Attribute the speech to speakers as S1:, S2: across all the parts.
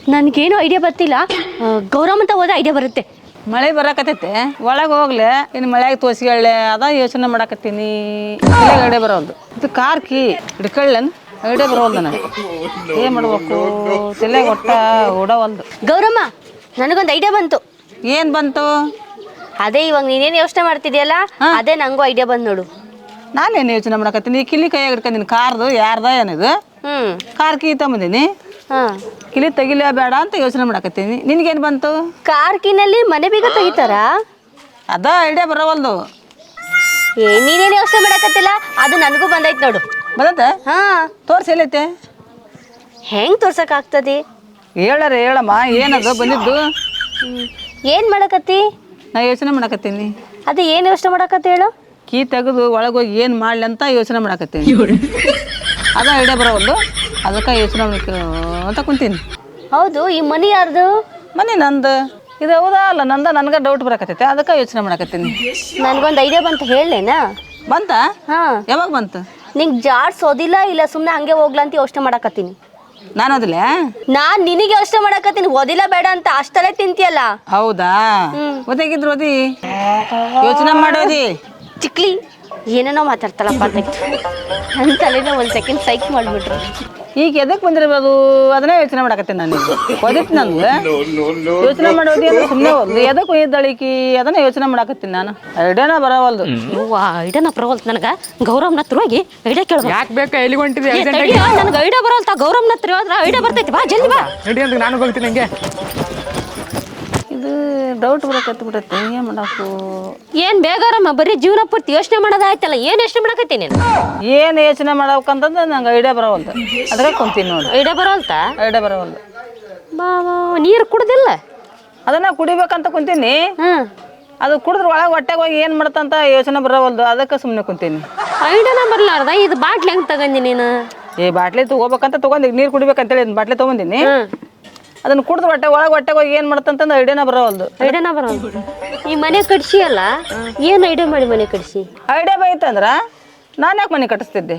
S1: ನನಗೇನು ಐಡಿಯಾ ಬರ್ತಿಲ್ಲ. ಗೌರಮ್ಮ ಅಂತ ಹೋದ್ರೆ ಐಡಿಯಾ ಬರುತ್ತೆ.
S2: ಮಳೆ ಬರಾಕತ್ತೈತೆ ಒಳಗೆ ಹೋಗ್ಲೆ ಇನ್ನು ಮಳೆಯಾಗ ತೋರಿಸ್ಕೊಳ್ಳೆ ಅದ ಯೋಚನೆ ಮಾಡಾಕತ್ತೀನಿ. ಐಡಿಯಾ ಬರೋದು ಇದು ಕಾರ್ ಕೀ ಹಿಡ್ಕೊಳ್ಳನ್ ಐಡಿಯಾ ಬರೋಲ್ದು ನನಗೆ. ಏನು ಮಾಡ್ಬೇಕು ತಲೆಗೆ ಒಟ್ಟ ಓಡವಲ್ದು.
S1: ಗೌರಮ್ಮ, ನನಗೊಂದು ಐಡಿಯಾ ಬಂತು.
S2: ಏನು ಬಂತು?
S1: ಅದೇ ಇವಾಗ ನೀನೇನು ಯೋಚನೆ ಮಾಡ್ತಿದ್ಯಲ್ಲ, ಅದೇ ನಂಗೂ ಐಡಿಯಾ ಬಂದು ನೋಡು.
S2: ನಾನೇನು ಯೋಚನೆ ಮಾಡಾಕತ್ತೀನಿ, ಕಿಲಿ ಕೈಯಾಗ ಹಿಡ್ಕೊಂಡಿನಿ. ಕಾರ್ದು ಯಾರ್ದ ಏನಿದು? Car key ತಗೊಂಬಂದೀನಿ. ಕಿಲಿ ತೆಗಿಲೇ ಬೇಡ ಅಂತ ಯೋಚನೆ ಮಾಡಾಕತ್ತೀನಿ. ನಿನ್ಗೇನು ಬಂತು?
S1: ಕಾರ್ ಕೀನಲ್ಲಿ ಮನೆ ಬೀಗ ತೆಗಿತಾರಾ?
S2: ಅದ ಐಡಿಯಾ ಬರೋವಲ್ದು.
S1: ನೀನೇನು ಯೋಚನೆ ಮಾಡಕತ್ತಿಲ್ಲ, ಅದು ನನಗೂ ಬಂದೈತೆ ನೋಡು.
S2: ಬದತ್ತೆ? ತೋರ್ಸಿ ಎಲ್ಲೈತೆ?
S1: ಹೆಂಗ್ ತೋರ್ಸಕ್ ಆಗ್ತದೆ?
S2: ಹೇಳಮ್ಮ ಏನದು ಬಂದಿದ್ದು?
S1: ಏನ್ ಮಾಡಕತ್ತಿ?
S2: ನಾ ಯೋಚನೆ ಮಾಡಾಕತ್ತೀನಿ.
S1: ಅದೇ ಏನು ಯೋಚನೆ ಮಾಡಕತ್ತಿ ಹೇಳು?
S2: ಕೀ ತೆಗೆದು ಒಳಗೋಗಿ ಏನು ಮಾಡ್ಲಿ ಅಂತ ಯೋಚನೆ ಮಾಡಾಕತ್ತೀನಿ. ಅದ ಐಡಿಯಾ ಬರೋವಲ್ದು, ಅದಕ್ಕೆ ಯೋಚನೆ ಅಂತ ಕುಂತೀನಿ.
S1: ಹೌದು, ಈ ಮನಿ ಯಾರ್ದು?
S2: ಮನೆ ನಂದು. ಇದು ಹೌದಾ ಅಲ್ಲ ನಂದ? ನನಗೆ ಡೌಟ್ ಬರಾಕತ್ತೈತೆ, ಅದಕ್ಕೆ ಯೋಚನೆ ಮಾಡಾಕತ್ತೀನಿ.
S1: ನನ್ಗೊಂದು ಐಡಿಯಾ ಬಂತು, ಹೇಳೇನಾ?
S2: ಬಂತ? ಯಾವಾಗ ಬಂತು?
S1: ನಿಂಗೆ ಜಾಡ್ಸೋದಿಲ್ಲ ಇಲ್ಲ ಸುಮ್ಮನೆ ಹಂಗೆ ಹೋಗ್ಲಾ ಅಂತ ಯೋಚನೆ ಮಾಡಕತ್ತೀನಿ.
S2: ನಾನು ಓದಿಲ್ಲ?
S1: ನಾನ್ ನಿನಗೆ ಯೋಚನೆ ಮಾಡಕತ್ತೀನಿ, ಓದಿಲ್ಲ ಬೇಡ ಅಂತ. ಅಷ್ಟಲ್ಲೇ ತಿಂತಿಯಲ್ಲ.
S2: ಹೌದಾ? ಓದಾಗಿದ್ರು ಓದಿ, ಯೋಚನೆ ಮಾಡೋದಿ.
S1: ಚಿಕ್ಲಿ ಏನೇನೋ ಮಾತಾಡ್ತಾಳಪ್ಪ ಅಂತ ನನ್ನ ತಲೆನ ಒಂದು ಸೆಕೆಂಡ್ ಸೈಕ್ ಮಾಡಿಬಿಟ್ರು.
S2: ಈಗ ಎದಕ್ಕೆ ಬಂದಿರ್ಬೋದು ಅದನ್ನೇ ಯೋಚನೆ ಮಾಡಕತ್ತೀನಿ. ನಾನು ಓದಿತ್ತು ನನಗೆ ಯೋಚನೆ ಮಾಡೋದಿ ಅಂದ್ರೆ ಸುಮ್ಮನೆ ಓದ್ಲು. ಎದಕ್ಕೆ ಒಯ್ದಳಿಕಿ ಅದನ್ನ ಯೋಚನೆ ಮಾಡಕತ್ತೀನಿ. ನಾನು ಐಡಿಯಾನ ಬರೋವಲ್ದು.
S1: ಐಡಿಯಾನ ಬರೋವಲ್ತು ನನಗೆ. ಗೌರವ್ನ ಹತ್ರ ಹೋಗಿ ಐಡಿಯಾ ಕೇಳ್ಬೇಕು.
S3: ಯಾಕೆ ಬೇಕಾ? ಎಲ್ಲಿಗೆ ಹೊಂಟಿದ್ದೆ?
S1: ನನಗೆ ಐಡಿಯಾ ಬರೋಲ್ತಾ. ಗೌರವ್ನ ಹತ್ರ ಹೋದ್ರೆ ಐಡಿಯಾ ಬರ್ತೈತಿ. ಬಾ ಜಲ್ದಿ ಬಾ.
S3: ನಡಿ ಅಂತ ನಾನು ಹೋಗ್ತೀನಿ. ಹಂಗೆ
S2: ಇದು ಡೌಟ್ ಬರಕತ್ತಿ ಬಿಡತ್ತೆ. ಏನು ಮಾಡಾಕು?
S1: ಏನು ಬೇಗಾರಮ್ಮ, ಬರೀ ಜೀವನ ಪೂರ್ತಿ ಯೋಚನೆ ಮಾಡೋದಾಯ್ತಲ್ಲ. ಏನು ಯೋಚನೆ ಮಾಡಕತ್ತೀನಿ ನೀನು?
S2: ಏನು ಯೋಚನೆ ಮಾಡಬೇಕಂತಂದ್ರೆ ನಂಗೆ ಐಡಿಯಾ ಬರೋವಲ್ದು, ಅದಕ್ಕೆ ಕುಂತೀನಿ ನೋಡಿ.
S1: ಐಡಿಯಾ ಬರೋಲ್ತಾ?
S2: ಐಡಿಯಾ ಬರೋವಲ್ದು.
S1: ಬಾ ನೀರು ಕುಡ್ದಿಲ್ಲ?
S2: ಅದನ್ನ ಕುಡಿಬೇಕಂತ ಕುಂತೀನಿ. ಅದು ಕುಡಿದ್ರೆ ಒಳಗೆ ಹೊಟ್ಟೆಗೆ ಹೋಗಿ ಏನು ಮಾಡ್ತಂತ ಯೋಚನೆ ಬರೋವಲ್ದು, ಅದಕ್ಕೆ ಸುಮ್ಮನೆ ಕುಂತೀನಿ.
S1: ಐಡಿಯಾನ ಬರಲಾರ್ದ ಇದು ಬಾಟ್ಲಿ ಹೆಂಗೆ ತಗೊಂಡಿ ನೀನು?
S2: ಬಾಟ್ಲಿ ತಗೋಬೇಕಂತ ತೊಗೊಂಡು ನೀರು ಕುಡಿಬೇಕಂತೇಳಿ ಬಾಟ್ಲಿ ತೊಗೊಂಡಿನಿ. ಅದನ್ನ ಕುಡಿದ್ರೆ ಹೊಟ್ಟೆಗೆ ಹೋಗಿ ಏನು ಮಾಡ್ತಂತಂದು ಐಡಿಯಾನ ಬರೋವಲ್ದು.
S1: ಐಡಿಯಾನ ಬರೋಲ್ದು. ಈ ಮನೆ ಕಟ್ಸಿ ಅಲ್ಲ, ಏನು ಐಡಿಯಾ ಮಾಡಿ ಮನೆ ಕಟ್ಸಿ?
S2: ಐಡಿಯಾ ಬೈತಂದ್ರೆ ನಾನು ಯಾಕೆ ಮನೆ ಕಟ್ಟಿಸ್ತಿದ್ದೆ?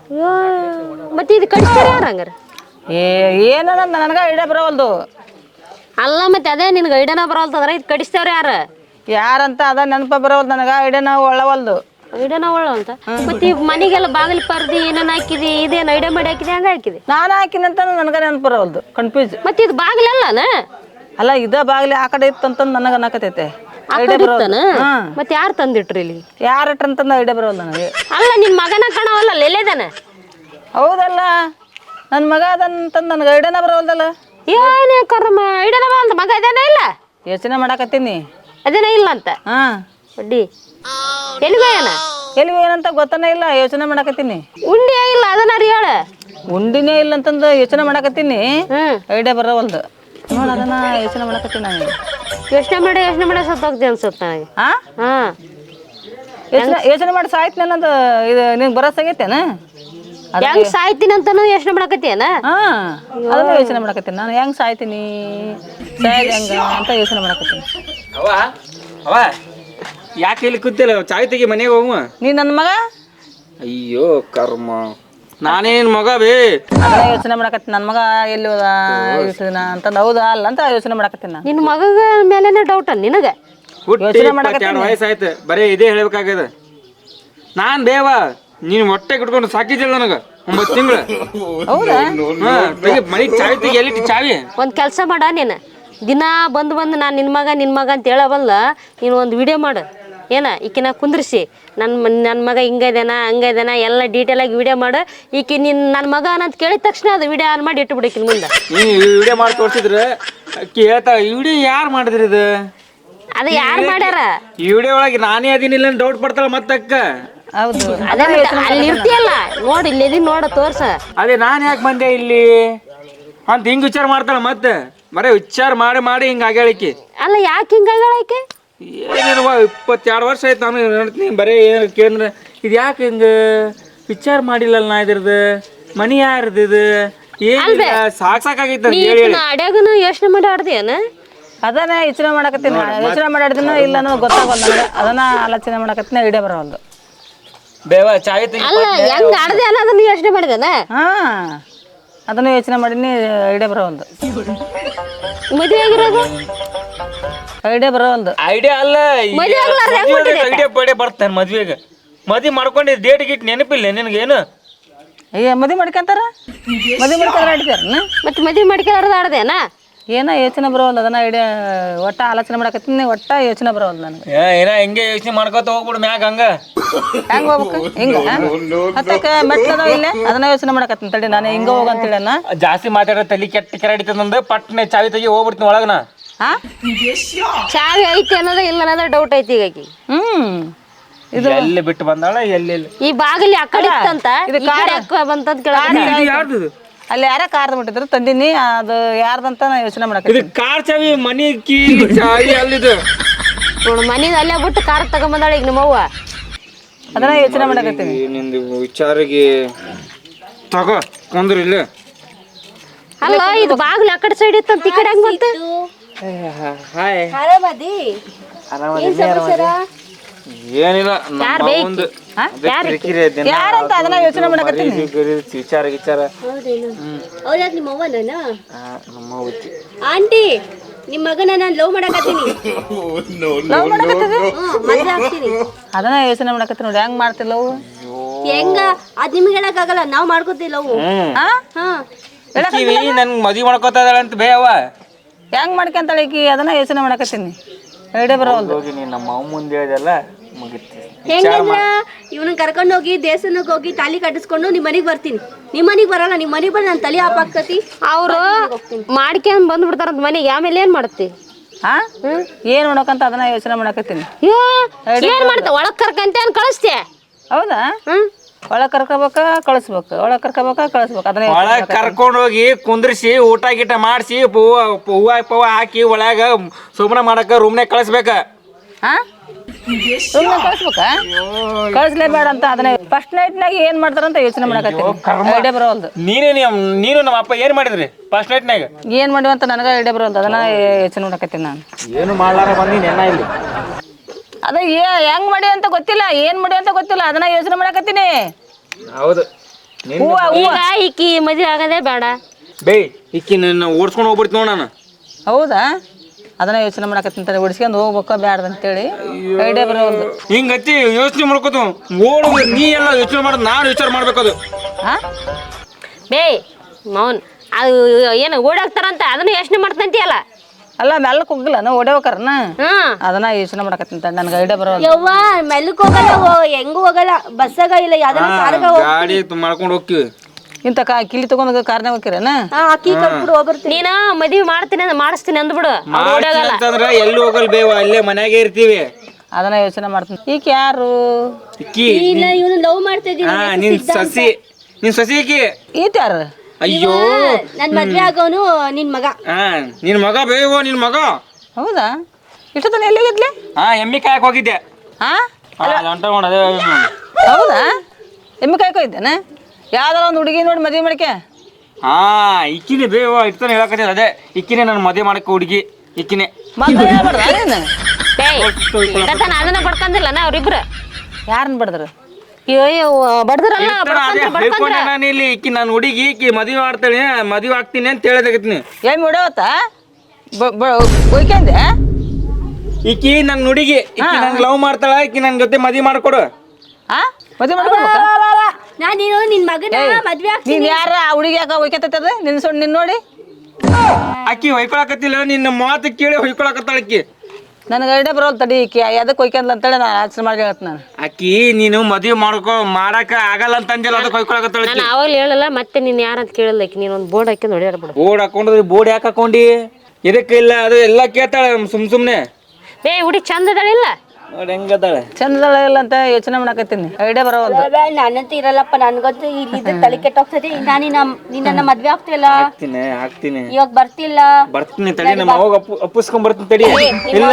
S1: ಮತ್ತೆ ಇದು ಕಟ್ಸ್ತಾರೆ ಯಾರು ಹಂಗಾರೆ?
S2: ಏನೋ ನನಗೆ ಐಡಿಯಾ ಬರೋವಲ್ದು.
S1: ಅಲ್ಲ ಮತ್ತೆ ಅದೇ ನಿನ್ಗೆ ಐಡಿಯಾನ ಬರೋಲ್ತಂದ್ರೆ ಇದು ಕಡಿಸ್ತೇವ್ರ
S2: ಯಾರಂತ ಅದ ನೆನಪ ಬರೋವಲ್ದು ನನಗೆ. ಐಡಿಯಾನ ಒಳ್ಳವಲ್ದು.
S1: ಐಡಿಯಾನ ಅಂತ ಮತ್ತೆ ಈ ಮನೆಗೆಲ್ಲ ಬಾಗಿಲು ಪರ್ದಿ ಏನೇನು ಹಾಕಿದಿ? ಇದೇನು ಐಡಿಯಾ ಮಾಡಿ ಹಾಕಿದೆ? ಹಂಗೆ ಹಾಕಿದೆ?
S2: ನಾನು ಹಾಕಿನಂತ ನನಗೆ ನೆನಪು ಬರೋವಲ್ದು. ಕನ್ಫ್ಯೂಸ್.
S1: ಮತ್ತೆ ಇದು ಬಾಗಿಲಲ್ಲನ?
S2: ಅಲ್ಲ ಇದ ಬಾಗಿಲು ಆ ಕಡೆ ಇತ್ತಂತಂದು ನನಗೆ ಅನ್ನಕತೈತೆ. ಐಡಿಯಾ ಬರೋದು.
S1: ಮತ್ತೆ ಯಾರು ತಂದಿಟ್ರಿ ಇಲ್ಲಿ?
S2: ಯಾರು ಇಟ್ರಂತಂದು ಐಡಿಯಾ ಬರೋಲ್ಲ ನನಗೆ.
S1: ಅಲ್ಲ ನಿನ್ನ ಮಗನ ಕಾಣವಲ್ಲ, ಎಲ್ಲೇದಾನ?
S2: ಹೌದಲ್ಲ, ನನ್ನ ಮಗ ಅದಂತಂದು ನನಗೆ ಐಡಿಯಾನ ಬರೋಲ್ದಲ್ಲ.
S1: ಏನೇ ಕರ್ಮ, ಐಡಿಯಾನ ಬರೋಲ್ದ? ಮಗ ಅದೇನ ಇಲ್ಲ?
S2: ಯೋಚನೆ ಮಾಡಾಕತ್ತೀನಿ.
S1: ಅದೇನ ಇಲ್ಲ ಅಂತ? ಅಡ್ಡಿ ಎಲ್ಲಿಗೋಯನ?
S2: ಎಲ್ಲಿಗೆ ಏನಂತ ಗೊತ್ತಾನೆ ಇಲ್ಲ, ಯೋಚನೆ ಮಾಡಾಕತ್ತೀನಿ.
S1: ಉಂಡಿ ಇಲ್ಲ ಅದನ್ನ ಹೇಳ.
S2: ಉಂಡಿನೇ ಇಲ್ಲ ಅಂತಂದು ಯೋಚನೆ ಮಾಡಾಕತ್ತೀನಿ. ಐಡಿಯಾ ಬರೋವಲ್ದು ನೋಡಿ, ಅದನ್ನ ಯೋಚನೆ ಮಾಡಾಕತ್ತೀನಿ ನಾನು.
S1: ಯೋಚನೆ ಮಾಡಿ ಸತ್ತೋಗ್ತಿ ಅನ್ಸುತ್ತೆ ನನಗೆ.
S2: ಯೋಚನೆ ಮಾಡಿ ಸಾಯ್ತೀನಿ ಅನ್ನೋದು ಇದು ನಿಂಗೆ ಬರೋಸಾಗೈತೇನ?
S1: ಹೆಂಗ್ ಸಾಯ್ತೀನಿ ಅಂತಾನು ಯೋಚನೆ ಮಾಡಕತ್ತೀಯನ?
S2: ಅದನ್ನ ಯೋಚನೆ ಮಾಡಾಕತ್ತೀನಿ ನಾನು. ಹೆಂಗ್ ಸಾಯ್ತೀನಿ, ಸಾಯಲ್ ಹೆಂಗ ಅಂತ ಯೋಚನೆ ಮಾಡಾಕತ್ತೀನಿ.
S4: ಅವ ಯಾಕೆ ಇಲ್ಲಿ ಕೂತಿಲ್ಲ? ಚಾಯ್ ತೆಗಿ, ಮನೆಗೆ ಹೋಗುವ.
S2: ನೀ ನನ್ನ ಮಗ?
S4: ಅಯ್ಯೋ ಕರ್ಮ, ನಾನೇನು ಮಗ ಬೇ?
S2: ಅದನ್ನ ಯೋಚನೆ ಮಾಡಾಕತ್ತೀನಿ. ನನ್ನ ಮಗ ಎಲ್ಲಿ ಹೋದ ಅಂತಂದು ಹೌದಾ ಅಲ್ಲ ಅಂತ ಯೋಚನೆ ಮಾಡಾಕತ್ತೀನಿ ನಾನು.
S1: ನಿನ್ನ ಮಗ ಮೇಲೇನೆ ಡೌಟ್ ಅನ್ ನಿನಗೆ?
S4: ಹುಟ್ಟಿ 22 ವಯಸ್ಸಾಯ್ತು, ಬರೀ ಇದೇ ಹೇಳ್ಬೇಕಾಗ್ಯದ. ನಾನು ಬೇವ ನೀನು ಹೊಟ್ಟೆ ಕಿಟ್ಕೊಂಡು ಸಾಕಿದ್ದಿಲ್ಲ ನನಗೆ 9 ತಿಂಗಳು.
S2: ಹೌದಾ?
S4: ಮನೆಗೆ ಚಾವಿ ತೆಗಿ, ಎಲ್ಲಿಟ್ಟು ಚಾವಿ?
S1: ಒಂದು ಕೆಲಸ ಮಾಡ, ನೀನು ದಿನ ಬಂದು ನಾನು ನಿನ್ನ ಮಗ ಅಂತ ಹೇಳಬಲ್ಲ. ನೀನು ಒಂದು ವಿಡಿಯೋ ಮಾಡು. ಏನ ಈಕಿನ ಕುಂದ್ರಿಸಿ ನನ್ನ ಮಗ ಹಿಂಗೈದೇನ ಹಂಗೈದೇನ ಎಲ್ಲ ಡೀಟೇಲಾಗಿ ವಿಡಿಯೋ ಮಾಡು. ಈಕಿ ನನ್ನ ಮಗ ಅನ್ನಂತ ಕೇಳಿದ ತಕ್ಷಣ ಅದು ವಿಡಿಯೋ ಆನ್ ಮಾಡಿ ಇಟ್ಟುಬಿಡಕಿನ ಮುಂದೆ.
S4: ನೀನು ವಿಡಿಯೋ ಮಾಡಿ ತೋರಿಸಿದ್ರೆ ಹೇಳ್ತಾ ವಿಡಿಯೋ ಯಾರು ಮಾಡಿದ್ರಿ ಇದು?
S1: ಅದು ಯಾರು ಮಾಡ್ಯಾರ?
S4: ಈ ವಿಡಿಯೋ ಒಳಗೆ ನಾನೇ ಅದೀನಿಲ್ಲ ಡೌಟ್ ಪಡ್ತಾಳ ಮತ್ತಕ್ಕ.
S2: ಹೌದು,
S1: ಅದೇ ಅಲ್ಲಿ ಇರ್ತೀಯಲ್ಲ ನೋಡಿ, ಇಲ್ಲಿ ನೋಡ ತೋರ್ಸ.
S4: ಅದೇ ನಾನು ಯಾಕೆ ಬಂದೆ ಇಲ್ಲಿ ಅಂತ ಹಿಂಗೆ ವಿಚಾರ ಮಾಡ್ತಾಳ. ಮತ್ತೆ ಬರೀ ವಿಚಾರ ಮಾಡಿ ಹಿಂಗೆ ಆಗ್ಯಾಳಿಕೆ.
S1: ಅಲ್ಲ ಯಾಕೆ ಹಿಂಗಾಗಕ್ಕೆ?
S4: ಏನೇನು 22 ವರ್ಷ ಆಯ್ತು ನಾನು ನೋಡ್ತೀನಿ. ಬರೀ ಏನು ಕೇಂದ್ರ ಇದು ಯಾಕೆ ಹಿಂಗೆ ವಿಚಾರ ಮಾಡಿಲ್ಲಲ್ಲ ನಾ ಇದ್ರದ್ದು. ಮನಿ ಯಾರ್ದು ಇದು? ಏನು ಸಾಕಾಗೈತೆ
S1: ಅಡ್ಯಾಗನು ಯೋಚನೆ ಮಾಡಿ ಆಡ್ದೇನ?
S2: ಅದನ್ನ ಯೋಚನೆ ಮಾಡಕತ್ತೀನಿ. ಯೋಚನೆ ಮಾಡಿದ್ನ ಇಲ್ಲ ಅನ್ನೋದು ಗೊತ್ತಾಗಲ್ಲ ನನಗೆ. ಅದನ್ನ ಆಲೋಚನೆ ಮಾಡಕತ್ತೀನಿ, ಐಡಿಯಾ ಬರೋಲ್ದು.
S4: ಬೇವ ಚಾಯ್ ತೆಗಿ.
S1: ಅಲ್ಲ ಹೆಂಗ್ ಆಡ್ದೆ ಅನ್ನೋದನ್ನ ಯೋಚನೆ ಮಾಡಿದಾನ?
S2: ಅದನ್ನ ಯೋಚನೆ ಮಾಡೀನಿ, ಐಡಿಯಾ ಬರೋಲ್ದು.
S1: ಮದುವೆ ಆಗಿರೋದು
S2: ಐಡಿಯಾ ಬರೋಲ್ದು.
S4: ಐಡಿಯಾ ಅಲ್ಲ
S1: ಮದ್ವೆ ಆಗ್ಲಾರ್ದ ಹೆಂಗ್ ಹುಟ್ಟಿದೆ?
S4: ಐಡಿಯಾ ಪಡೆ ಬರ್ತಾನೆ ಮದ್ವೆಗೆ. ಮದ್ವೆ ಮಾಡ್ಕೊಂಡು ಡೇಟ್ ಗಿಟ್ ನೆನಪಿಲ್ಲ ನಿನಗೇನು?
S2: ಅಯ್ಯ ಮದುವೆ ಮಾಡ್ಕೊಂತಾರ, ಮದುವೆ ಮಾಡ್ಕೊಂಡ್ರೆ ಆಡ್ತಾರನ?
S1: ಮತ್ತೆ ಮದುವೆ ಮಾಡ್ಕೊಳ್ಳೋದು ಆಡ್ದೇನಾ?
S2: ಏನೋ ಯೋಚನೆ ಬರೋಲ್ಲ, ಅದನ್ನ ಐಡಿಯಾ ಒಟ್ಟ ಆಲೋಚನೆ ಮಾಡಕತ್ತೀನಿ, ಒಟ್ಟ ಯೋಚನೆ ಬರೋಲ್ಲ ನನಗೆ.
S4: ಏನ ಹಿಂಗೆ ಯೋಚನೆ ಮಾಡ್ಕೊತ ಹೋಗ್ಬಿಡು ಮ್ಯಾಗ ಹಂಗ.
S2: ಹೆಂಗ್ ಹೋಗ್ಬೇಕು? ಹಿಂಗ ಹತ್ತಕ್ಕ ಮೆಟ್ಲದ ಇಲ್ಲೇ ಅದನ್ನ ಯೋಚನೆ ಮಾಡಕತ್ತೀನಿ ತಡಿ, ನಾನು ಹಿಂಗ ಹೋಗಂತೇಳಿ
S4: ಜಾಸ್ತಿ ಮಾತಾಡೋ ತಲೆ ಕೆಟ್ಟ ಕೆರಡಿತಂದ ಪಟ್ನೆ ಚಾವಿ ತೆಗಿ ಹೋಗ್ಬಿಡ್ತೀನಿ ಒಳಗನ.
S2: ಹಾ
S1: ಚಾವಿ ಐತಿ ಅನ್ನೋದ ಇಲ್ಲ ಅನ್ನೋದ ಡೌಟ್ ಐತಿ ಈಗ ಆಕಿ.
S2: ಇದು
S4: ಎಲ್ಲಿ ಬಿಟ್ಟು ಬಂದಾಳ ಎಲ್ಲಿ
S1: ಈ ಬಾಗಿಲಿ ಆ ಕಡೆ ಇತ್ತಂತ, ಈ ಕಡೆ ಯಾಕ್ ಬಂತಂತ ಕೇಳ.
S4: ಯಾರ್ದು
S2: ಅಲ್ಲಿ ಯಾರ ಕಾರ್ದು ಬಿಟ್ಟಿದ್ರು ತಂದಿನಿ, ಅದು ಯಾರ್ದಂತ ನಾ ಯೋಚನೆ
S4: ಇದು?
S2: ಮಾಡಕತ್ತೀನಿ.
S4: ಕಾರ್ ಚಾವಿ ಮನಿ ಕೀ ಚಾವಿ ಅಲ್ಲಿದು
S1: ನೋಡು ಮನಿದ ಅಲ್ಲೇ ಬಿಟ್ಟು ಕಾರ್ ತಗೊಂಬಂದಾಳ ಈಗ ನಿಮ್ಮವ್ವ.
S2: ಅದನ್ನ ಯೋಚನೆ ಮಾಡಕತ್ತೀನಿ.
S4: ನಿಂದು ವಿಚಾರಿಗೆ ತಗೋ ಕೊಂದ್ರು ಇಲ್ಲ.
S1: ಅಲ್ಲ ಇದು ಬಾಗಿಲು ಆ ಕಡೆ ಸೈಡ್ ಇತ್ತಂತ ಈ ಕಡೆ ಹೆಂಗ್ ಬಂತ?
S4: ಹಾಯ್
S1: ಆರಾಮದಿ?
S4: ಏನಿಲ್ಲ
S1: ಯಾರ್
S4: ನಮ್ಮ
S1: ಬೇಕು?
S4: ಒಂದು
S1: ಯಾರ್
S4: ಕಿರಿಕಿರಿ ದಿನ
S2: ಯಾರಂತ ಅದನ್ನ ಯೋಚನೆ ಮಾಡಕತ್ತೀನಿ.
S4: ವಿಚಾರ ವಿಚಾರ
S5: ಹೌದಾದ್ ನಿಮ್ಮ ಅವ್ವನ
S4: ನಮ್ಮ ಹುಚ್ಚಿ.
S5: ಆಂಟಿ ನಿಮ್ಮ ಮಗನ ನಾನು ಲವ್ ಮಾಡಕತ್ತೀನಿ.
S2: ಲವ್ ಮಾಡಕತ್ತಿದ್ದೆ?
S5: ಮದ್ವೆ ಆಗ್ತೀನಿ.
S2: ಅದನ್ನ ಯೋಚನೆ ಮಾಡಕತ್ತೀನಿ ನೋಡಿ, ಹೆಂಗ್ ಮಾಡ್ತಿಲ್ಲ ಅವು.
S5: ಹೆಂಗ ಅದ್ ನಿಮ್ಗೆ ಹೇಳಕ್ಕಾಗಲ್ಲ, ನಾವ್ ಮಾಡ್ಕೋತೀವಿ ಲವ್.
S2: ಹಾ
S5: ಹಾ
S4: ಕಿವಿ ನನ್ ಮದ್ವಿ ಮಾಡ್ಕೋತಾ ಇದಾಳ ಅಂತ ಬೇವ.
S2: ಹೆಂಗ್ ಮಾಡ್ಕೊಂತಾಳೆ ಈಕಿ, ಅದನ್ನ ಯೋಚನೆ ಮಾಡಕತ್ತೀನಿ. ಐಡಿಯಾ ಬರೋಲ್ದು.
S4: ಹೋಗಿ ನೀ ನಮ್ಮ ಅಮ್ಮ ಮುಂದೆ ಹೇಳಿದೆಲ್ಲ ಮುಗಿತಿ.
S5: ಹೆಂಗಂದ್ರ ಇವನನ್ನ ಕರ್ಕೊಂಡು ಹೋಗಿ ದೇವಸ್ಥಾನಕ್ಕೆ ಹೋಗಿ ತಾಲಿ ಕಟ್ಟಿಸ್ಕೊಂಡು ನಿಮ್ ಮನೆಗ್ ಬರ್ತೀನಿ. ನಿಮ್ ಮನೆಗ್ ಬರಲ್ಲ, ನಿಮ್ ಮನೆಗ್ ಬಂದು ನಾನು ತಲೆ ಹಾಪಾಕತಿ.
S1: ಅವ್ರು ಮಾಡ್ಕೊಂಡ್ ಬಂದ್ಬಿಡ್ತಾರಂತ ಮನೆಗೆ, ಆಮೇಲೆ ಏನ್ ಮಾಡ್ತಿ?
S2: ಹಾ ಏನ್ ನೋಡಕಂತ ಅದನ್ನ ಯೋಚನೆ ಮಾಡಕತ್ತೀನಿ.
S1: ಏನ್ ಮಾಡ್ತ ಒಳಗ್ ಕರ್ಕಂತ ಏನ್ ಕಳಿಸ್ತೆ?
S2: ಹೌದಾ? ಒಳಗ್ ಕರ್ಕೋಬೇಕ ಕಳಿಸ್ಬೇಕು, ಒಳಗ್ ಕರ್ಕೋಬೇಕ ಕಳಿಸ್ಬೇಕು. ಅದನ್ನ
S4: ಒಳಗ್ ಕರ್ಕೊಂಡ್ ಹೋಗಿ ಕುಂದ್ರಿಸಿ ಊಟ ಗೀಟ ಮಾಡಿಸಿ ಹೂವ ಪವ ಹಾಕಿ ಒಳಗ ಸುಮ್ನ ಮಾಡಕ ರೂಮ್ನಾಗ ಕಳಿಸ್ಬೇಕ.
S2: ಹಾ ಕಳಿಸ್ಬೇಕ? ಕಳಿಸ್ಲೇಬೇಡ ಅಂತ ಅದನ್ನ ಫಸ್ಟ್ ನೈಟ್ನಾಗ ಏನ್ ಮಾಡ್ತಾರಂತ ಯೋಚನೆ ಮಾಡಕತ್ತೀನಿ. ಐಡಿಯಾ ಬರೋಲ್ದು.
S4: ನೀನು ನಮ್ಮ ಅಪ್ಪ ಏನ್ ಮಾಡಿದ್ರಿ ಫಸ್ಟ್ ನೈಟ್ನಾಗ?
S2: ಏನ್ ಮಾಡಿವಂತ ನನಗ ಐಡಿಯಾ ಬರೋಲ್ದು, ಅದನ್ನ ಯೋಚನೆ ಮಾಡಕತ್ತೀನಿ ನಾನು.
S4: ಏನು ಮಾಡ್ಲಾರ ಬಂದಿ ನೆನ್ನ ಇಲ್ಲಿ.
S2: ಅದ ಹೆಂಗ್ ಮಾಡಿ ಅಂತ ಗೊತ್ತಿಲ್ಲ, ಏನ್ ಮಾಡಿ ಅಂತ ಗೊತ್ತಿಲ್ಲ, ಅದನ್ನ ಯೋಚನೆ ಮಾಡಕತ್ತೀನಿ.
S4: ಹೌದು
S1: ಈಗ ಈಕಿ ಮದ್ವೆ ಆಗದೇ ಬೇಡ.
S4: ಬೇ ಇಕ್ಕಿ ನನ್ನ ಓಡಿಸ್ಕೊಂಡು ಹೋಗ್ಬಿಡ್ತು ನೋಡ ನಾನು.
S2: ಹೌದಾ? ಅದನ್ನ ಯೋಚನೆ ಮಾಡಕತ್ತೀನಿ, ಓಡಿಸ್ಕೊಂಡು ಹೋಗ್ಬೇಕ ಬ್ಯಾಡ್ದ ಅಂತೇಳಿ ಐಡಿಯಾ ಬರೋಲ್ದು.
S4: ಹಿಂಗ ಹಚ್ಚಿ ಯೋಚನೆ ಮಾಡ್ಕೋತ ಓಡು. ನೀ ಎಲ್ಲ ಯೋಚನೆ ಮಾಡೋದು, ನಾನು ವಿಚಾರ ಮಾಡ್ಬೇಕದು.
S2: ಹಾ
S1: ಬೇ ಮೌನ್ ಅದು ಏನು ಓಡಾಕ್ತಾರಂತ ಅದನ್ನ ಯೋಚನೆ ಮಾಡ್ತಂತಿಯಲ್ಲ.
S2: ಅಲ್ಲ ಮೆಲ್ಲಕ್ ಹೋಗಿಲ್ಲ ನಾ ಓಡೇವಕರನ,
S1: ಹ್ಮ್
S2: ಅದನ್ನ ಯೋಚನೆ ಮಾಡಕತ್ತೀನಿ. ನನಗೆ ಐಡಿಯಾ ಬರೋಲ್ಲ.
S5: ಯವ್ವ ಮೆಲ್ಲಕ್ ಹೋಗಲ್ಲ, ಹೆಂಗೂ ಹೋಗಲ್ಲ, ಬಸ್ಸಾಗ ಇಲ್ಲ ಯಾವ್ದಾರ ಕಾರ್ಗ
S4: ಗಾಡಿ ಮಾಡ್ಕೊಂಡು ಹೋಗ್ತೀವಿ.
S2: ಇಂತ ಕಿಲಿ ತಗೊಂಡ್ ಕಾರ್ನ ಹೋಗಿರೇನ?
S5: ಅಕ್ಕಿ ಕಟ್ಬಿಡು ಹೋಗ್ಬರ್ತೀನಿ.
S1: ನೀನ ಮದ್ವಿ ಮಾಡ್ತೀನಿ ಮಾಡಿಸ್ತೀನಿ ಅಂದ್ಬಿಡು.
S4: ಅಂತಂದ್ರ ಎಲ್ಲಿ ಹೋಗಲ್ ಬೇವ, ಅಲ್ಲೇ ಮನ್ಯಾಗೆ ಇರ್ತೀವಿ.
S2: ಅದನ್ನ ಯೋಚನೆ ಮಾಡ್ತೀನಿ. ಈಗ ಯಾರು
S4: ಇಕ್ಕಿ
S5: ಇಲ್ಲ ಇವನು ಲವ್ ಮಾಡ್ತಾ ಇದ್ದೀನಿ.
S4: ನಿನ್ ಸಸಿ ಇಕ್ಕಿ.
S2: ಈತ ಯಾರು?
S4: ಅಯ್ಯೋ
S5: ನನ್ ಮದ್ವೆ ಆಗೋನು ನಿನ್ ಮಗ.
S4: ನಿನ್ ಮಗ ಬೇವ, ನಿನ್ ಮಗ.
S2: ಹೌದಾ? ಇಷ್ಟೊತ್ತನ ಎಲ್ಲಿಗಿದ್ಲೆ?
S4: ಎಮ್ಮಿ ಕಾಯಕ್ ಹೋಗಿದ್ದೆ.
S2: ಹಾ
S4: ಅದೇ
S2: ಹೌದಾ? ಎಮ್ಮೆ ಕಾಯ್ಕೋ ಇದ್ದೇನೆ. ಯಾವ್ದಾರ ಒಂದು ಹುಡುಗಿ ನೋಡಿ ಮದುವೆ ಮಾಡಕ್ಕೆ.
S4: ಇಕ್ಕಿನೇ ಬೇವ ಇರ್ತಾನೆ ಹೇಳಕತ್ತೀನಿ. ಅದೇ ಇಕ್ಕಿನೇ ನನ್ನ ಮದುವೆ ಮಾಡಕ್ಕೆ ಹುಡುಗಿ ಇಕ್ಕಿನೇ.
S2: ಮದುವೆ ಹೇಳ್ಬಾರ್ದ ನೀನು?
S1: ಅದನ್ನ ಬಡ್ಕಂದಿಲ್ಲ ನಾ ಅವ್ರಿಬ್ರು.
S2: ಯಾರನ್ನ ಬಡದ್ರು?
S1: ಬಡ್ದ್ರಲ್ಲ
S4: ಹೇಳ್ಕೊಂಡೆ ನಾನು ಇಲ್ಲಿ. ಇಕ್ಕಿ ನನ್ನ ಹುಡುಗಿ ಇಕ್ಕಿ ಮದುವೆ ಮಾಡ್ತಾಳೆ, ಮದುವೆ ಆಗ್ತೀನಿ ಅಂತ ಹೇಳದಾಗತ್ತೀನಿ.
S2: ಎಮ್ಮೆ ಹೊಡವತ್ತ ಒಯ್ಕಂದೆ?
S4: ಇಕ್ಕಿ ನನ್ನ ಹುಡುಗಿ ಇಕ್ಕಿ ನನ್ ಲವ್ ಮಾಡ್ತಾಳ, ಇಕ್ಕಿ ನನ್ನ ಜೊತೆ ಮದುವೆ ಮಾಡ್ಕೊಡು.
S2: ಹಾ ಮದುವೆ ಮಾಡ್ಕೊಡ್ಬೇಕ?
S5: ನಾನು ನಿನ್ ಮಗನ ಮದ್ವೆ ಆಗ್ತೀನಿ.
S2: ನೀನ್ ಯಾರ ಆ ಹುಡುಗಿ ಯಾಕ ಒಯ್ಕತ್ತದ ನಿನ್ ನೋಡಿ?
S4: ಅಕ್ಕಿ ಹೊಯ್ಕೊಳಕತ್ತಿಲ್ಲ, ನಿನ್ನ ಮಾತು ಕೇಳಿ ಹೊಯ್ಕೊಳಕತ್ತಾಳ ಅಕ್ಕಿ.
S2: ನನಗೆ ಐಡಿಯಾ ಬರೋಲ್ ತಡಿ. ಈಕಿ ಎದಕ್ಕೆ ಒಯ್ಕಂದ್ಲ ಅಂತೇಳಿ ನಾನು ಆಚರಣೆ ಮಾಡಿ ಹೇಳತ್ ನಾನು.
S4: ಅಕ್ಕಿ ನೀನು ಮದುವೆ ಮಾಡಕ ಆಗಲ್ಲ ಅಂತ ಅಂದಿಲ್ಲ, ಅದಕ್ಕೆ ಹೊಯ್ಕೊಳಕತ್ತಾಳ.
S1: ನಾನು ಅವಾಗ ಹೇಳಲ್ಲ, ಮತ್ತೆ ನೀನ್ ಯಾರಂತ ಕೇಳಲ್ಲ. ನೀನ್ ಒಂದು ಬೋರ್ಡ್ ಹಾಕಿ ನೋಡ್ಯಾಡ್ಬಿಡು.
S4: ಬೋರ್ಡ್ ಹಾಕೊಂಡ್ರಿ, ಬೋರ್ಡ್ ಯಾಕೆ ಹಾಕೊಂಡಿ? ಇದಕ್ಕೆ ಇಲ್ಲ, ಅದು ಎಲ್ಲ ಕೇಳ್ತಾಳೆ ಸುಮ್ನೆ.
S1: ಬೇ ಹುಡುಗಿ ಚಂದ ಅದಾಳಿಲ್ಲ?
S4: ನೋಡಿ ಹೆಂಗದಾಳೆ.
S2: ಚಂದದಳ ಇಲ್ಲ ಅಂತ ಯೋಚನೆ ಮಾಡಕತ್ತೀನಿ. ಐಡಿಯಾ ಬರೋಲ್.
S5: ನಾನಂತ ಇರಲ್ಲಪ್ಪ, ನನ್ಗಂತೂ ಇಲ್ಲಿ ತಲೆ ಕೆಟ್ಟೋಗ್ತದೆ. ನಿನ್ನ ಮದ್ವೆ ಆಗ್ತಿಲ್ಲ,
S4: ಹಾಕ್ತೀನಿ
S5: ಇವಾಗ ಬರ್ತಿಲ್ಲ.
S4: ಬರ್ತೀನಿ ತಡಿ, ನಮ್ಮ ಅವಾಗ ಅಪ್ಪಿಸ್ಕೊಂಡ್ ಬರ್ತೀನಿ ತಡಿ. ಇಲ್ಲ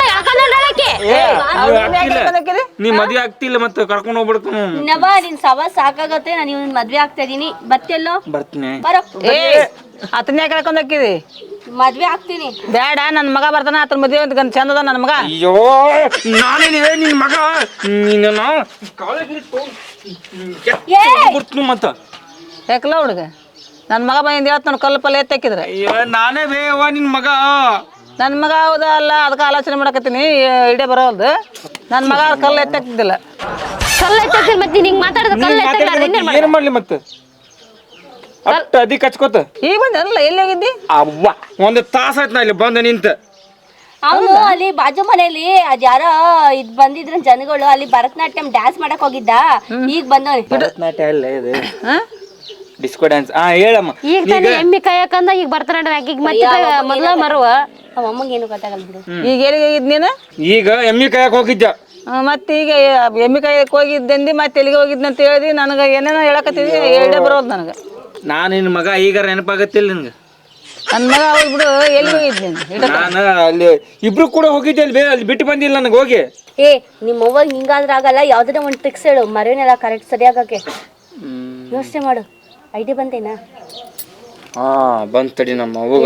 S4: ನೀ ಮದ್ವೆ ಆಗ್ತಿಲ್ಲ ಮತ್ತೆ ಕರ್ಕೊಂಡು ಹೋಗ್ಬಿಡ್ತೀನಿ.
S5: ಇನ್ನವ ನಿನ್ ಸವ ಸಾಕಾಗತ್ತೆ. ನಾನು ಇವ್ನ ಮದ್ವೆ ಆಗ್ತಾ ಇದೀನಿ, ಬರ್ತಿಲ್ಲೋ?
S4: ಬರ್ತೀನಿ.
S5: ಬರೋ
S2: ಆತನ ಯಾಕೆ ಕರ್ಕೊಂಡ್ ಹೋಗ್ಕಿದಿ?
S5: ಮದ್ವೆ ಆಗ್ತೀನಿ.
S2: ಬೇಡ, ನನ್ನ ಮಗ ಬರ್ತಾನ, ಆತನ ಮದುವೆ ಅಂತ ಚಂದ ಅದ ನನ್ನ ಮಗ.
S4: ಅಯ್ಯೋ ನಾನೇನಿದೆ ನಿನ್ ಮಗ, ನೀನು
S2: ಯಾಕಲ್ಲ ಹುಡುಗ ನನ್ನ ಮಗ ಬಂದು ಹೇಳ್ತ ನಾನು ಕಲ್ಲು ಪಲ್ಲೆ ಎತ್ತಾಕಿದ್ರೆ
S4: ಅಯ್ಯೋ ನಾನೇ ಬೇವ ನಿನ್ ಮಗ.
S2: ನನ್ನ ಮಗ ಹೌದಾ ಅಲ್ಲ ಅದಕ್ಕೆ ಆಲೋಚನೆ ಮಾಡಕತ್ತೀನಿ ಇಡೇ ಬರೋಲ್ದು. ನನ್ನ ಮಗ ಕಲ್ಲು ಎತ್ತಾಕ್ತಿದ್ದಿಲ್ಲ.
S1: ಕಲ್ಲು ಎತ್ತಕ್ಕಿಲ್ಲ ಮತ್ತೆ ನೀನು ಹಿಂಗೆ ಮಾತಾಡಿದ ಕಲ್ಲು ಎತ್ತಕ್ಕಿಲ್ಲ
S4: ಏನ್ ಮಾಡ್ಲಿ ಮತ್ತೆ ಅಷ್ಟ ಅದಿಕ್ ಹಚ್ಕೋತ
S2: ಈಗ ಬಂದಲ್ಲ ಎಲ್ಲಿ ಹೋಗಿದ್ದಿ?
S4: ಅವ್ವ ಒಂದು ತಾಸ ಆಯ್ತು ನಾ ಇಲ್ಲಿ ಬಂದು ನಿಂತ.
S5: ಅವನು ಅಲ್ಲಿ ಬಾಜು ಮನೆಯಲ್ಲಿ ಅದ್ ಯಾರ ಇದ್ ಬಂದಿದ್ರ ಜನಗಳು ಅಲ್ಲಿ ಭರತನಾಟ್ಯಂ ಡ್ಯಾನ್ಸ್ ಮಾಡಕ್ ಹೋಗಿದ್ದ. ಈಗ ಬಂದವನಿ.
S4: ಭರತನಾಟ್ಯ ಅಲ್ಲ ಇದು ಡಿಸ್ಕೋ ಡ್ಯಾನ್ಸ್. ಹೇಳಮ್ಮ.
S1: ಈಗ ತಾನೇ ಎಮ್ಮಿ ಕಾಯಕಂದ ಈಗ ಬರ್ತಾನೆ ಈಗ ಮತ್ತೆ ಮೊದಲ ಮರುವ
S5: ನಮ್ಮ ಅಮ್ಮಂಗೆ ಏನು ಗೊತ್ತಾಗಲ್ಲ ಬಿಡು.
S2: ಈಗ ಎಲ್ಲಿಗೆ ಹೋಗಿದ್ ನೀನು?
S4: ಈಗ ಎಮ್ಮಿ ಕಾಯಕ್ ಹೋಗಿದ್ದ.
S2: ಮತ್ತೆ ಈಗ ಎಮ್ಮಿ ಕಾಯಕ್ಕೆ ಹೋಗಿದ್ದಂದು ಮತ್ತೆ ಎಲ್ಲಿಗೆ ಹೋಗಿದ್ನ ಅಂತ ಹೇಳಿದಿ. ನನಗೆ ಏನೇನೋ ಹೇಳಕತ್ತಿದ್ದಿ ಎರಡೇ ಬರೋದು ನನಗೆ.
S4: ನಾನು ನಿನ್ನ ಮಗ ಈಗ ನೆನಪಾಗತ್ತಿಲ್ಲ ನಿನ್ಗೆ.
S2: ನನ್ನ ಮಗ ಹೋಗಿ ಬಿಡು. ಎಲ್ಲಿ ಹೋಗಿದ್ ನೀನು?
S4: ನಾನು ಅಲ್ಲಿ ಇಬ್ರು ಕೂಡ ಹೋಗಿದ್ದೆ ಅಲ್ಲಿ ಬಿಟ್ಟು ಬಂದಿಲ್ಲ ನನಗೆ ಹೋಗಿ.
S5: ಏ ನಿಮ್ಮ ಅವ್ವ ಹಿಂಗಾದ್ರೆ ಆಗಲ್ಲ. ಯಾವ್ದಾರ ಒಂದು ಟ್ರಿಕ್ಸ್ ಹೇಳು ಮರೇನೆಲ್ಲ ಕರೆಕ್ಟ್ ಸರಿಯಾಗಕ್ಕೆ. ಯೋಚನೆ ಮಾಡು. ಐಡಿಯಾ ಬಂತೇನಾ?
S4: ಹಾ ಬಂದ್ ತಡಿ ನಮ್ಮ ಅವ್ವಗ.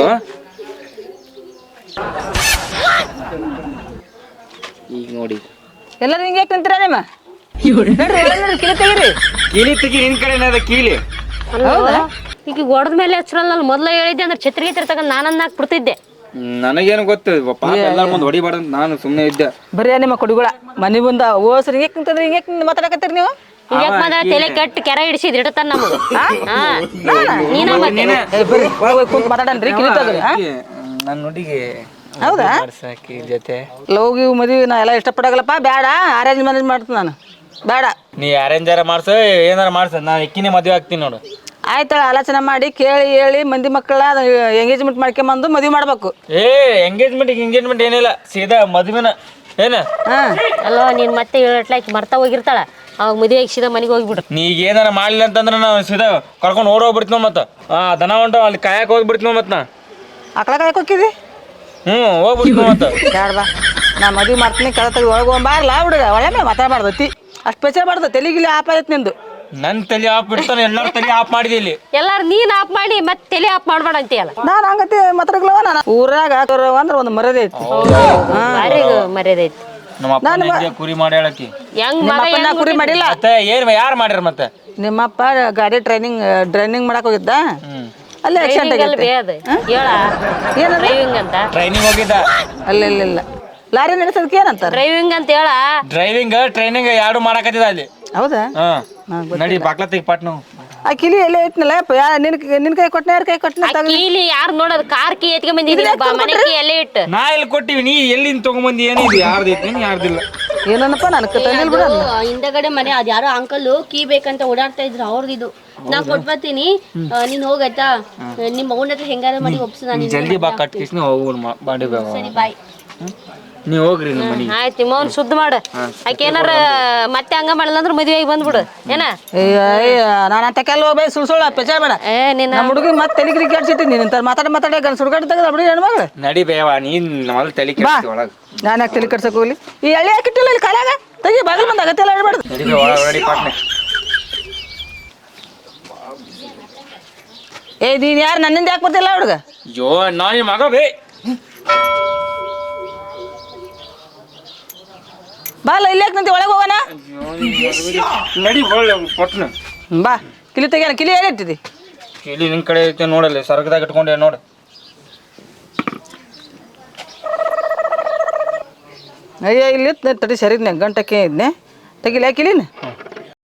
S4: ಈಗ ನೋಡಿ
S2: ಎಲ್ಲರೂ ಹಿಂಗೆ ನಿಂತೀರ ನಿಮ್ಮ ಕಿಲಿ ತೆಗೀರಿ.
S4: ಕೀಲಿ ತೆಗಿ ನಿನ್ ಕಡೆ ಅದ ಕೀಲಿ.
S1: ಈಗ ಹೊಡೆದ ಮೇಲೆ ಹಚ್ರಲ್ಲ ಮೊದಲ ಹೇಳಿದ್ದೆ ಅಂದ್ರೆ ಛತ್ರಿಗೆ ತಗೊಂಡು ನಾನನ್ನ ಹಾಕ್ಬಿಡ್ತಿದ್ದೆ.
S4: ನನಗೇನು ಗೊತ್ತು ಪಾಪ ಎಲ್ಲಾರ ಮುಂದೆ ಹೊಡಿಬಾರ್ದು ನಾನು ಸುಮ್ಮನೆ ಇದ್ದೆ.
S2: ಬರೀ ನಿಮ್ಮ ಕುಡಿಗಳ ಮನೆ ಬಂದ ಓಸ್ರಿ ಹಿಂಗೆ ನಿಂತಂದ್ರೆ ಹಿಂಗೆ ಮಾತಾಡಕತ್ತೀರಿ ನೀವು.
S1: ಹಿಂಗ್ಯಾಕ್ ಮಾತ್ರ ತಲೆ ಕೆಟ್ಟ ಕೆರೆ ಹಿಡಿಸಿದ್ ಇಡತಾನ ನಮಗ. ನೀನ ಮತ್ತೆ
S2: ಬರ್ರಿ ಒಳಗೆ ಹೋಗಿ ಕುಂತು ಮಾತಾಡನ್ರಿ ಕಿಲಿ ತೆಗ್ರಿ.
S4: ನನ್ನ ನುಡಿಗೆ
S2: ಹೌದಾ?
S4: ಸಾಕಿ ಜೊತೆ
S2: ಲವ್ಗಿ ಮದುವೆ ನಾ ಎಲ್ಲ ಇಷ್ಟಪಡಗಲ್ಲಪ್ಪ. ಬೇಡ ಅರೇಂಜ್ ಮ್ಯಾನೇಜ್ ಮಾಡ್ತೀನಿ ನಾನು. ಬೇಡ
S4: ನೀ ಅರೇಂಜಾರ ಮಾಡ್ಸ ಏನಾರ ಮಾಡ್ಸ ನಾನು ಎಕ್ಕಿನೇ ಮದುವೆ ಆಗ್ತೀನಿ ನೋಡು.
S2: ಆಯ್ತಾಳ ಆಲೋಚನೆ ಮಾಡಿ ಕೇಳಿ ಹೇಳಿ ಮಂದಿ ಮಕ್ಕಳ ಎಂಗೇಜ್ಮೆಂಟ್ ಮಾಡ್ಕೊಂಬಂದು ಮದುವೆ ಮಾಡ್ಬೇಕು.
S4: ಎಂಗೇಜ್ಮೆಂಟ್ ಏನಿಲ್ಲ ಸೀದಾ ಮದುವೆನ ಏನ.
S1: ಅಲ್ಲೋ ನೀನ್ ಮತ್ತೆ ಹೇಳಟ್ಲಾಕಿ ಮರ್ತಾ ಹೋಗಿರ್ತಾಳ. ಅವಾಗ ಮದುವೆ ಸೀದಾ ಮನೆಗೆ ಹೋಗ್ಬಿಡ್ರು.
S4: ನೀ ಈಗ ಏನಾರ ಮಾಡ್ಲಿಲ್ಲ ಅಂತಂದ್ರೆ ನಾವು ಸೀದಾ ಕರ್ಕೊಂಡು ಓಡೋಗ್ಬಿಡ್ತೀವಿ ಮತ್ತೆ. ದನ ಹೊಂಟ ಅಲ್ಲಿ ಕಾಯಕ್ಕೆ ಹೋಗ್ಬಿಡ್ತೀವಿ ಮತ್ತೆ. ನಾ
S2: ಆಕಳ ಕಾಯಕ್ಕೆ ಹೋಗಿದ್ದಿ?
S4: ಹೋಗ್ಬಿಡ್ತೀವಿ ಮತ್ತೆ.
S2: ಬೇಡ ಬಾ ನಾ ಮದುವೆ ಮಾಡ್ತೀನಿ. ಕಳೆ ತೆಗೆದು ಒಳಗೆ ಹೋಗ್ಬಾರ್ಲ ಹುಡುಗ. ಒಳ್ಳೆ ಮೇಲೆ ಮಾತಾಡ್ಬಾರ್ದತಿ. ಅಷ್ಟು ಪೆಚ್ಚೆ ಬಾರ್ದು ತೆಲಿಗಿಲಿ ಆಪ್ ಆಯ್ತು ನಿಂದು.
S4: ನನ್ನ ತಲೆ ಆಫ್ ಬಿಡ್ತಾನೆ ಎಲ್ಲರೂ ತಲೆ ಆಫ್ ಮಾಡಿದೆ ಇಲ್ಲಿ.
S1: ಎಲ್ಲಾರು ನೀನ್ ಆಫ್ ಮಾಡಿ ಮತ್ತೆ ತಲೆ ಆಫ್ ಮಾಡ್ಬೇಡ ಅಂತೀಯಲ್ಲ.
S2: ನಾನು ಹಂಗತಿ ಮಾತಾಡ್ಲವ. ನಾನು ಊರಾಗ ಅಂದ್ರೆ ಒಂದು ಮರ್ಯಾದೆ ಐತಿ.
S1: ಭಾರಿ ಮರ್ಯಾದೆ ಐತಿ.
S4: ನಮ್ಮ ಅಪ್ಪ ಕುರಿ ಮಾಡಿ ಹೇಳಕ್ಕಿ
S1: ಹೆಂಗ್
S2: ನಿಮ್ಮಪ್ಪ ನಾ ಕುರಿ ಮಾಡಿಲ್ಲ.
S4: ಮತ್ತೆ ಏನ್ ಯಾರು ಮಾಡ್ಯಾರ ಮತ್ತೆ?
S2: ನಿಮ್ಮಪ್ಪ ಗಾಡಿ ಡ್ರೈನಿಂಗ್ ಮಾಡಕ್ ಹೋಗಿದ್ದ. ಅಲ್ಲೇ ಆಕ್ಸಿಡೆಂಟ್ ಆಗೈತೆ.
S1: ಹೇಳ ಡ್ರೈವಿಂಗ್ ಅಂತ.
S4: ಟ್ರೈನಿಂಗ್ ಹೋಗಿದ್ದ.
S2: ಅಲ್ಲ ಲಾರಿ ನಡೆಸೋದಕ್ಕೆ ಏನಂತಾರ?
S1: ಡ್ರೈವಿಂಗ್ ಅಂತ ಹೇಳ.
S4: ಡ್ರೈವಿಂಗ್ ಟ್ರೈನಿಂಗ್ ಎರಡು ಮಾಡಕತ್ತಿದ ಅಲ್ಲಿ.
S2: ಹೌದಾ?
S4: ನಡಿ ಬಾಕ್ಲ ತೆಗಿ ಪಾಟ್ ನಾವು.
S2: ಆ ಕಿಲಿ ಎಲ್ಲೇ ಐತ್ನಲ್ಲ ನಿನ್ ಕೈ ಕೊಟ್ಟನ ಯಾರ ಕೈ ಕೊಟ್ಟನ?
S1: ಕೀಲಿ ಯಾರು ನೋಡೋದು? ಕಾರ್ ಕೀ ಎತ್ಕೊಂಡ್ ಬಂದಿದ್ದೀನಿ ಮನೆ ಕೀ ಎಲ್ಲೇ ಇಟ್ಟು.
S4: ನಾ ಇಲ್ಲಿ ಕೊಟ್ಟಿವಿ. ನೀ ಎಲ್ಲಿಂದ ತಗೊಂಬಂದಿ? ಏನಿದೆ ಯಾರ್ದೈತಿ ಯಾರ್ದಿಲ್ಲ
S2: ಏನನ್ನಪ್ಪ ನಾನು ತಂದಿಲ್ ಬಿಡ.
S5: ಹಿಂದಗಡೆ ಮನೆ ಅದ್ ಯಾರೋ ಅಂಕಲ್ ಕೀ ಬೇಕಂತ ಓಡಾಡ್ತಾ ಇದ್ರು. ಅವ್ರದ್ದು ನಾ ಕೊಟ್ಬರ್ತೀನಿ. ನೀನ್ ಹೋಗೈತಾ? ನಿಮ್ಮ ಮಗನ ಹತ್ರ ಹೆಂಗಾರ ಮಾಡಿ ಒಪ್ಸು. ನಾನು
S4: ಜಲ್ದಿ ಬಾ ಕಟ್ಕಿಸ್ನ ಹೋಗೋಣ ಬಾಡಿ
S5: ಸರಿ ಬಾಯ್.
S4: ನೀವು ಹೋಗ್ರಿ ನಿಮ್ಮ ಮನೆಗೆ.
S1: ಆಯ್ತು ನಿಮ್ಮವ್ನ ಶುದ್ಧ ಮಾಡು. ಆಕೆ ಏನಾರ ಮತ್ತೆ ಹಂಗ ಮಾಡಲ್ಲ ಅಂದ್ರೆ ಮದುವೆಗೆ ಬಂದ್ಬಿಡು ಏನ.
S2: ನಾನು ಅಂತ ಕೆಲ ಹೋಗ್ಬೇ ಸುಳ್ಳು ಪೆಚಾರ ಬೇಡ.
S1: ನಿನ್ನ
S2: ನಮ್ಮ ಹುಡುಗಿ ಮತ್ತೆ ತಲೆಗಿರಿ ಕೆಡ್ಸಿಟ್ಟಿ ನೀನು ಮಾತಾಡ ಗನ್ ಸುಡ್ಗಾಡಿ ತೆಗೆದ ಬಿಡಿ ಹೆಣ್ಮಗಳು.
S4: ನಡಿ ಬೇವ ನೀನ್ ಮೊದಲು ತಲೆ ಕೆಡ್ಸಿ ಒಳಗೆ.
S2: ನಾನು ಯಾಕೆ ತಲೆ ಕಟ್ಸಕ್ ಹೋಗ್ಲಿ? ಈ ಎಳೆ ಹಾಕಿಟ್ಟಿಲ್ಲ ಇಲ್ಲಿ ಕಾಲಾಗ ತೆಗಿ ಬಾಗಿಲು ಬಂದ ಅಗತ್ಯ ಎಲ್ಲ ಹೇಳ್ಬಾರ್ದು.
S4: ನಡಿ ಬೇ ಒಳಗೆ ನಡಿ ಪಾಟ್ನೆ.
S2: ನೀನು ಯಾರು ನನ್ನಿಂದ ಯಾಕೆ ಬರ್ತಿಲ್ಲ ಹುಡುಗ?
S4: ಅಯ್ಯೋ ನಾನು ಮಗ ಬೇ.
S2: ಬಾಲ್ಲ ಇಲ್ಲಿ ಯಾಕೆ ನಿಂತ ಒಳಗೆ ಹೋಗೋಣ?
S4: ನಡಿ ಪಟ್ನ
S2: ಬಾ ಕಿಲಿ ತೆಗಿಯೋಣ. ಕಿಲಿ ಏನು ಇಟ್ಟಿದಿ?
S4: ಇಲ್ಲಿ ನಿನ್ ಕಡೆ ಐತೆ ನೋಡಲ್ಲಿ ಸರ್ಗದಾಗ ಇಟ್ಕೊಂಡೆ ನೋಡು.
S2: ಅಯ್ಯ ಇಲ್ಲಿ ತಡಿ ಸರಿದ್ನೆ ಗಂಟಕ್ಕೆ ಇದ್ನೆ ತೆಗಿಲ ಕಿಲಿನ.